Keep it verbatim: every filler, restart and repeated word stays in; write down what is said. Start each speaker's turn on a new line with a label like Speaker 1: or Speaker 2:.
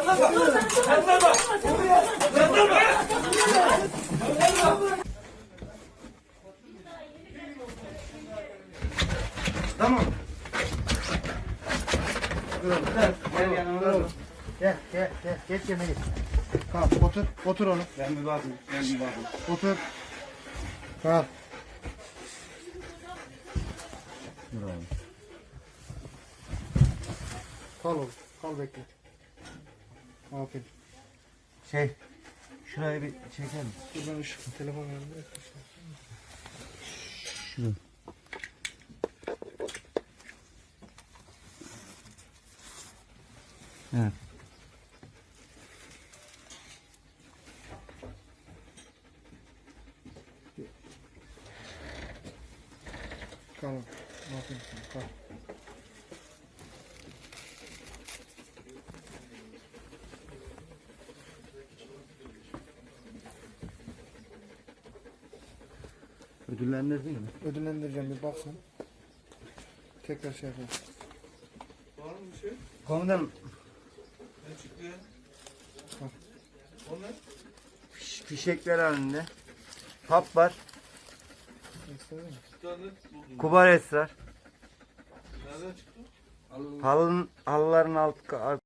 Speaker 1: Tamam.
Speaker 2: Gel yanıma.
Speaker 1: Gel gel gel. Geç yemeği. Tamam otur. Otur oğlum.
Speaker 2: Ben bir bakayım. Ben bir bakayım.
Speaker 1: Otur. Kal. Kal oğlum. Kal bekle. Aferin.
Speaker 2: Şey, şurayı bir çeker misin?
Speaker 1: Dur ben ışık telefon yanında.
Speaker 2: Şurayı. Evet.
Speaker 1: Kal oğlum. Aferin sana. Kal.
Speaker 2: Ödüllendirdin mi?
Speaker 1: Ödüllendireceğim bir baksın. Tekrar şey yapalım.
Speaker 3: Var mı bir şey?
Speaker 2: Komutanım,
Speaker 3: Ne çıktı ya?
Speaker 1: Bak.
Speaker 3: O ne?
Speaker 2: fiş- fişekler halinde. Hap var.
Speaker 1: İstedin mi?
Speaker 3: Bir tane buldum.
Speaker 2: Kubar esrar.
Speaker 3: Nereden çıktı?
Speaker 2: Halının, halıların alt,